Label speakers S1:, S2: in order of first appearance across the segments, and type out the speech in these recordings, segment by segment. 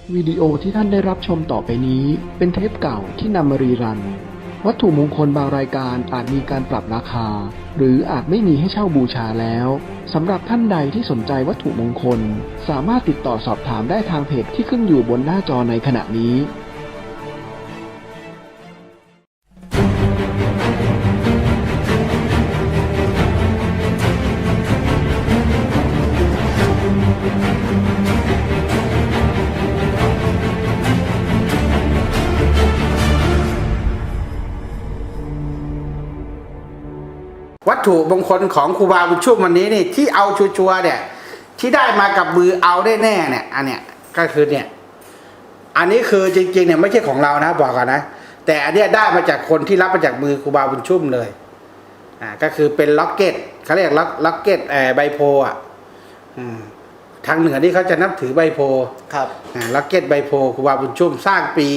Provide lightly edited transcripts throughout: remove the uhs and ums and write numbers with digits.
S1: วิดีโอที่ท่านได้รับชมต่อไปนี้เป็นเทปเก่าที่นำมารีรันวัตถุมงคลบางรายการอาจมีการปรับราคาหรืออาจไม่มีให้เช่าบูชาแล้วสำหรับท่านใดที่สนใจวัตถุมงคลสามารถติดต่อสอบถามได้ทางเพจที่ขึ้นอยู่บนหน้าจอในขณะนี้
S2: วัตถุมงคลของครูบาบุญชุ่มวันนี้นี่ที่เอาชัวร์ๆเนี่ยที่ได้มากับมือเอาได้แน่เนี่ยอันเนี้ยก็คือเนี่ยอันนี้คือจริงๆเนี่ยไม่ใช่ของเรานะบอกก่อนนะแต่อันเนี้ยได้มาจากคนที่รับมาจากมือครูบาบุญชุ่มเลยก็คือเป็นล็อกเก็ตเขาเรียกล็อกเก็ตใบโพอ่ะทางเหนือนี่เขาจะนับถือใบโพ
S3: ครับ
S2: ล็อกเก็ตใบโพครูบาบุญชุ่มสร้างปี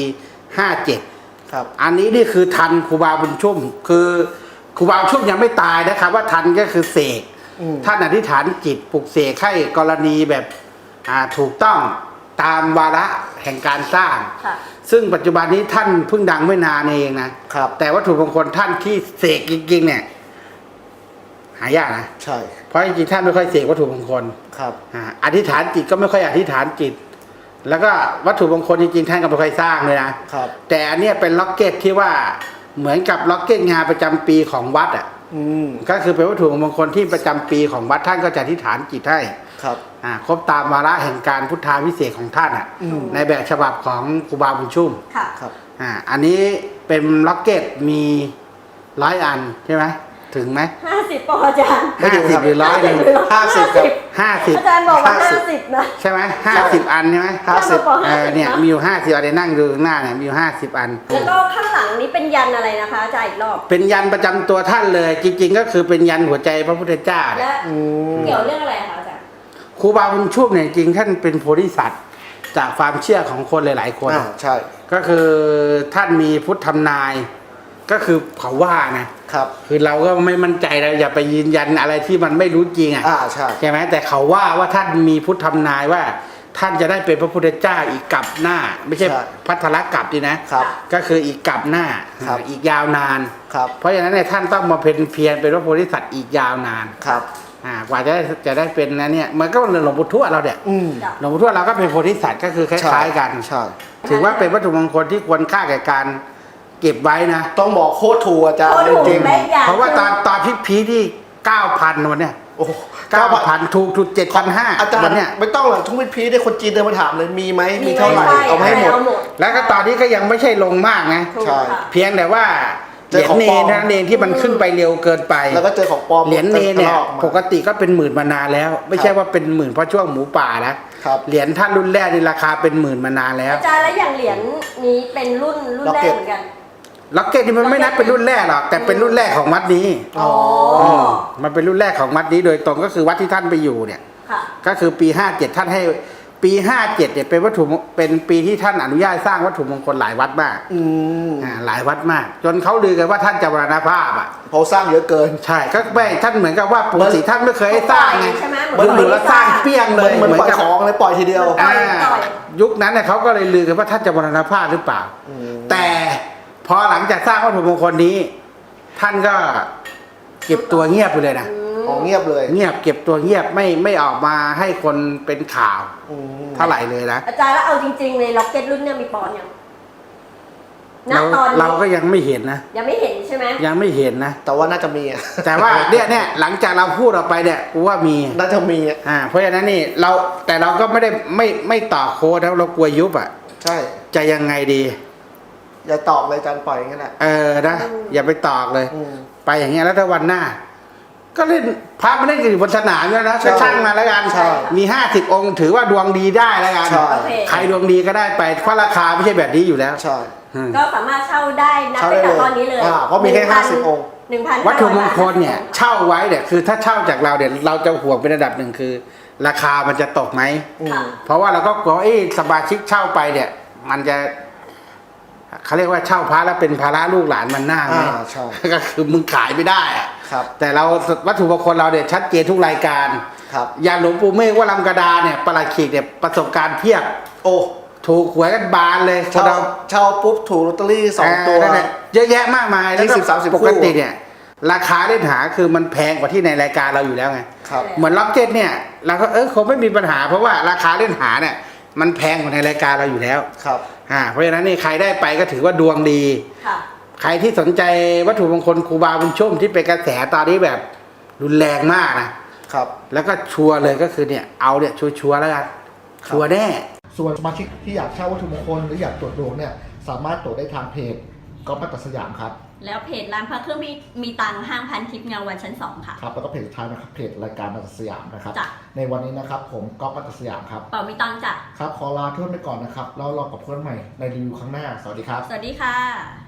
S2: 57
S3: ครับ
S2: อันนี้นี่คือทันครูบาบุญชุ่มคือครูบาบุญชุ่มยังไม่ตายนะครับว่าทันก็คือเสกท่านอธิษฐานจิตปลุกเสกให้กรณีแบบถูกต้องตามวาระแห่งการสร้างซึ่งปัจจุบันนี้ท่านเพิ่งดังไม่นานเองนะครับแต่วัตถุมงคลท่านที่เสกจริงๆเนี่ยหายากนะ
S3: ใช่
S2: เพราะจริงๆท่านไม่ค่อยเสกวัตถุมงคล
S3: ครับ
S2: อธิษฐานจิตก็ไม่ค่อยอธิษฐานจิตแล้วก็วัตถุมงคลจริงๆท่านก็ไม่ค่อยสร้างเลยนะครับแต่อันนี้เป็นล็อกเก็ตที่ว่าเหมือนกับล็อกเก็ตงานประจำปีของวัดก็คือเป็นวัตถุมงคลที่ประจำปีของวัดท่านก็จะอธิษฐานจิตให้
S3: ครับ
S2: ครบตามวาระแห่งการพุทธาวิเศษของท่านในแบบฉบับของครูบาบุญชุ่ม
S3: ครับ
S2: อันนี้เป็นล็อกเก็ตมี100 อันใช่ไหมถึงไหม
S4: 50 ปออาจารย์
S2: 50หรือ100หนึ่ง
S3: 50กับ
S2: 50
S4: อาจารย์บอกว่า50นะ
S2: ใช่ไหม50 อันใช่ไหมเนี่ยมีอยู่50 อันเดี๋ยวนั่งดูข้างหน้าเนี่ยมีอยู่50 อัน
S4: แล้วก็ข้างหลังนี้เป็นยันอะไรนะคะอาจารย์อีกรอบ
S2: เป็นยันประจำตัวท่านเลยจริงๆก็คือเป็นยันหัวใจพระพุทธเจ้า
S4: และเกี่ยวเรื่องอะไรคะอาจารย์
S2: ครูบาบุญชุ่มเนี่ยจริงท่านเป็นโพธิสัตว์จากความเชื่อของคนหลายๆคน
S3: ใช่
S2: ก็คือท่านมีพุทธทำนายก็คือเขาว่านะครับคือเราก็ไม่มั่นใจเราอย่าไปยืนยันอะไรที่มันไม่รู้จริง
S3: ใช่
S2: ไหมแต่เขาว่าท่านมีพุทธทำนายว่าท่านจะได้เป็นพระพุทธเจ้าอีกกับหน้าไม่ใช่พัทรกับดีนะก็คืออีกกับหน้าอีกยาวนานเพราะฉะนั้นเนี่ยท่านต้องมาเป็นเพียรเป็นพระโพธิสัตว์อีกยาวนานกว่าจะได้เป็นนะเนี่ยมันก็หลวงปู่ทวดเราเนี่ยหลวงปู่ทวดเราก็เป็นโพธิสัตว์ก็คือคล้ายๆกันถือว่าเป็นวัตถุมงคลที่ควรค่าแก่การเก็บไว้นะ
S3: ต้องบอกโคตรถูกอาจารย์
S4: จริง
S2: เพราะว่าตอนพีที่ 9,000 วันเนี่ย
S3: โอ้
S2: 9,000 ถูก7,500
S3: อาจารย์เนี่ยไม่ต้องหรอกทุกพีได้คนจีนเดินมาถามเลยมีไหมมีเท่าไหร่เอาให้หมด
S2: แล้วก็ตอนนี้ก็ยังไม่ใช่ลงมากนะ
S3: ใช่
S2: เพียงแต่ว่าเหรียญเนรนั่นเองที่มันขึ้นไปเร็วเกินไป
S3: แล้วก็เจอของปลอม
S2: เหรียญเนรเนี่ยปกติก็เป็นหมื่นมานานแล้วไม่ใช่ว่าเป็นหมื่นเพราะช่วงหมูป่านะเหรียญท่านรุ่นแรกนี่ราคาเป็นหมื่นมานานแล้ว
S4: อาจารย์แล้วอย่างเหรียญนี้เป็นรุ่นแรกเหมือนกัน
S2: ล็อกเก็ตนี่มันไม่นับเป็นรุ่นแรกหรอกแต่เป็นรุ่นแรกของวัดนี้มันเป็นรุ่นแรกของวัดนี้โดยตรงก็คือวัดที่ท่านไปอยู่เนี่ยก็คือปี57ท่านให้ปี57เนี่ยเป็นวัตถุเป็นปีที่ท่านอนุญาตสร้างวัตถุมงคลหลายวัดมากหลายวัดมากจนเขาลือกันว่าท่านจะมรณภาพ
S3: เพราะสร้างเยอะเกิน
S2: ใช่ก็ไม่ท่านเหมือนกับว่าปกติท่านไม่เคยให้สร้างไงเหมือนสร้างเปี้ยงเลย
S3: เหมือนปล่อยของเลยปล่อยทีเดียว
S2: ยุคนั้นเนี่ยเขาก็เลยลือกันว่าท่านจะมรณภาพหรือเปล่าแต่พอหลังจากสร้างวัตถุมงคลนี้ท่านก็เก็บตัวเงียบไปเลยนะ
S3: เงียบเลย
S2: เงียบเก็บตัวเงียบไม่ออกมาให้คนเป็นข่าวเท่าไหร่เลยนะ
S4: อาจารย์แล้วเอาจริงๆในล็อกเก็ตรุ่นเนี่ยมีปอนยัง
S2: เราก็ยังไม่เห็นนะ
S4: ยังไม่เห็นใช่ไหม
S2: ยังไม่เห็นนะ
S3: แต่ว่าน่าจะมี
S2: แต่ว่าเนี่ยหลังจากเราพูดออกไปเนี่ยกูว่ามี
S3: น่าจะมี
S2: เพราะฉะนั้นนี่แต่เราก็ไม่ได้ไม่ต่อโค้ดแล้วเรากลัวยุบ
S3: ใช่
S2: จะยังไงดี
S3: อย่าตอกเลยอาจารย์ปล่อยอย่างนั้นแหละ
S2: นะอย่าไปตอกเลยไปอย่างเงี้ยแล้วถ้าวันหน้าก็เล่นพระไม่ได้อยู่บนสนามแล้วนะช่างมาแล้วกันมี50 องค์ถือว่าดวงดีได้แล้วกันใครดวงดีก็ได้ไปเพราะราคาไม่ใช่แบบนี้อยู่แล้ว
S4: ก็สามารถเช่าได้นับตั้งแต่ตอนนี้เลย
S3: เพราะมีแค่50 องค์
S2: วัตถุมงคลเนี่ยเช่าไว้เนี่ยคือถ้าเช่าจากเราเนี่ยเราจะห่วงเป็นระดับหนึ่งคือราคามันจะตกไหมเพราะว่าเราก็กลัวสมาชิกเช่าไปเนี่ยมันจะเขาเรียกว่าเช่าพระแล้วเป็นภาระลูกหลานมันหน้าไหมก็คือมึงขายไม่ได้แต่เราวัตถุมงคลเราเนี่ยชัดเจนทุกรายการอย่างหลวงปู่เมฆว่าลำกระดาเนี่ยประหลัดขีกเนี่ยประสบการณ์เพียบถูกหวยกันบานเลยคน
S3: เช่า
S2: เรา
S3: เช่าปุ๊บถูกลอตเตอรี่2 ตัว
S2: นั่นแหละเยอะแยะมากมายแล้วก็
S3: 20-30
S2: ปกติเนี่ยราคาเล่นหาคือมันแพงกว่าที่ในรายการเราอยู่แล้วไง
S3: ครับ
S2: เหมือนล็อกเก็ตเนี่ยเราก็คงไม่มีปัญหาเพราะว่าราคาเล่นหาเนี่ยมันแพงกว่าในรายการเราอยู่แล้ว
S3: ครับ
S2: เพราะฉะนั้นนี่ใครได้ไปก็ถือว่าดวงดี
S4: ค่ะ
S2: ใครที่สนใจวัตถุมงคลครูบาบุญชุ่มที่เป็นกระแสตอนนี้แบบรุนแรงมากนะครับ แล้วก็ชัวร์เลยก็คือเนี่ยเอาเนี่ยชัวร์ๆแล้วกันชัวร์แน่
S3: ส่วนสมาชิกที่อยากเช่าวัตถุมงคลหรืออยากตรวจดวงเนี่ยสามารถตรวจได้ทางเพจก๊อฟมัตตสยามครับ
S4: แล้วเพจร้านพระเครื่องมีตังค์ห้างพันทิพย์เงาวันชั้น 2 ค่ะ
S3: ครับแล้วก็เพจสุดท้ายนะครับเพจรายการมัตตสยามนะครับ
S4: จ้ะ
S3: ในวันนี้นะครับผมก๊อฟมัตตสยามครับ
S4: เป่ามีตังค์จ้ะ
S3: ครับขอลาเพื่อนไปก่อนนะครับแล้วรอกับเพื่อนใหม่ในรีวิวครั้งหน้าสวัสดีครับ
S4: สวัสดีค่ะ